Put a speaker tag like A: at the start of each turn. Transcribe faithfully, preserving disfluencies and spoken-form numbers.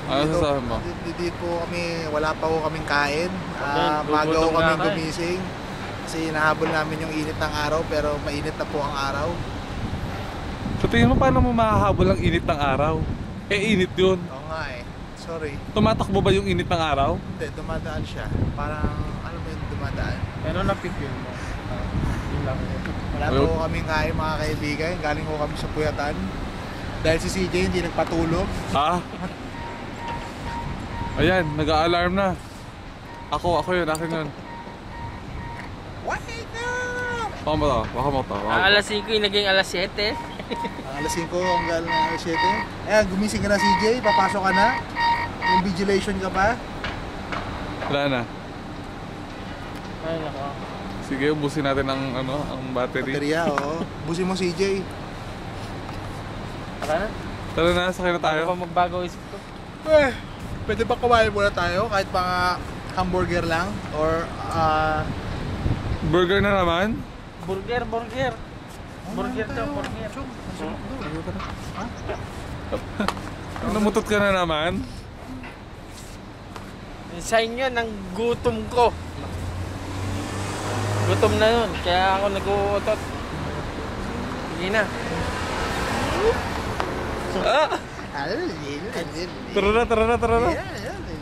A: Ano
B: Dito,
A: sasabihin mo?
B: dito, dito po kami, wala pa po kaming kain. Ah,
C: Okay,
B: maga po
C: gugutom
B: kaming
C: na ka eh.
B: gumising. Kasi nahabol namin yung init ng araw, pero mainit na po ang araw.
A: Sa tingin mo paano mo mahahabol ang init ng araw? Eh init yun.
B: Oo nga eh. Sorry.
A: Tumatakbo ba yung init ng araw?
B: Hindi, dumadaan siya. Parang, ano mo yung dumadaan?
C: Pero napipil mo. Ah, yun lang yun.
B: Wala
A: Ayun.
B: po kaming kain mga kaibigan. Galing po kami sa Puyatan. Dahil si C J hindi nagpatulog.
A: Ha? Ayan, nag-a-alarm na. Ako, ako yun, akin yun.
B: Wake up!
A: Baka mo to, baka mo to. baka mo
C: Ang
A: to.
C: alas singko yung naging alas siyete.
B: Ang alas singko hanggang alas siyete. Eh, gumising ka na C J. Papasok ka na. Yung vigilation ka pa.
A: Wala na.
C: Ay, nako.
A: Sige, ubusin natin ang, ano, ang battery.
B: Baterya, oo. Busin mo C J.
C: Tara na.
A: Tara na, sakay na tayo.
C: Tayo pa magbago isip ko.
B: Eh, pwede ba kumain muna tayo? Kahit mga hamburger lang? Or, ah...
A: Burger na naman?
C: Burger, burger. Burger
B: kumain
C: to,
B: tayo.
C: burger.
B: Chong, masarap doon. Ha?
A: Namutot ka na naman?
C: Sign yun ng gutom ko. Gutom na yun, kaya ako nag-uutot. Sige na.
A: Ah!
B: Alin, alin, alin.
A: Tara na, tara na, tara na.
B: Yeah, yeah,